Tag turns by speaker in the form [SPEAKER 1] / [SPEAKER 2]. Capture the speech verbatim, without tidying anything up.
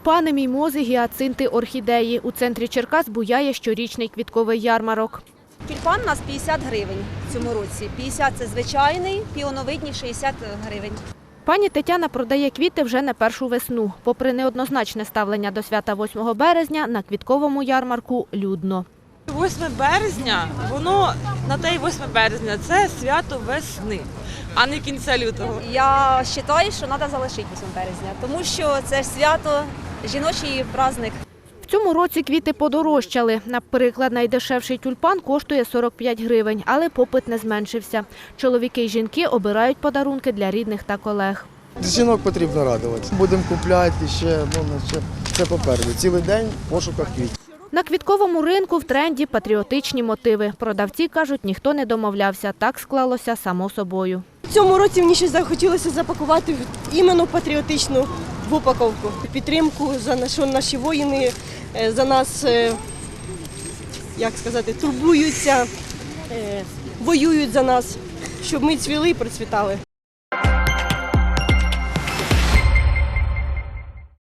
[SPEAKER 1] Тюльпани, мімози, гіацинти, орхідеї. У центрі Черкас буяє щорічний квітковий ярмарок.
[SPEAKER 2] Тюльпан у нас п'ятдесят гривень в цьому році. п'ятдесят – це звичайний, піоновидні – шістдесят гривень.
[SPEAKER 1] Пані Тетяна продає квіти вже не першу весну. Попри неоднозначне ставлення до свята восьмого березня, на квітковому ярмарку людно.
[SPEAKER 3] восьме березня, воно на те й восьме березня – це свято весни, а не кінця лютого.
[SPEAKER 2] Я вважаю, що треба залишити восьме березня, тому що це ж свято, жіночий праздник.
[SPEAKER 1] В цьому році квіти подорожчали. Наприклад, найдешевший тюльпан коштує сорок п'ять гривень, але попит не зменшився. Чоловіки й жінки обирають подарунки для рідних та колег.
[SPEAKER 4] Жінок потрібно радувати. Будемо купляти ще, ну, ще це попереду. Цілий день в пошуках квітів.
[SPEAKER 1] На квітковому ринку в тренді патріотичні мотиви. Продавці кажуть, ніхто не домовлявся. Так склалося само собою.
[SPEAKER 5] В цьому році мені ще захотілося запакувати іменно патріотичну в упаковку. Підтримку, за що наші воїни за нас, як сказати, турбуються, воюють за нас, щоб ми цвіли і процвітали.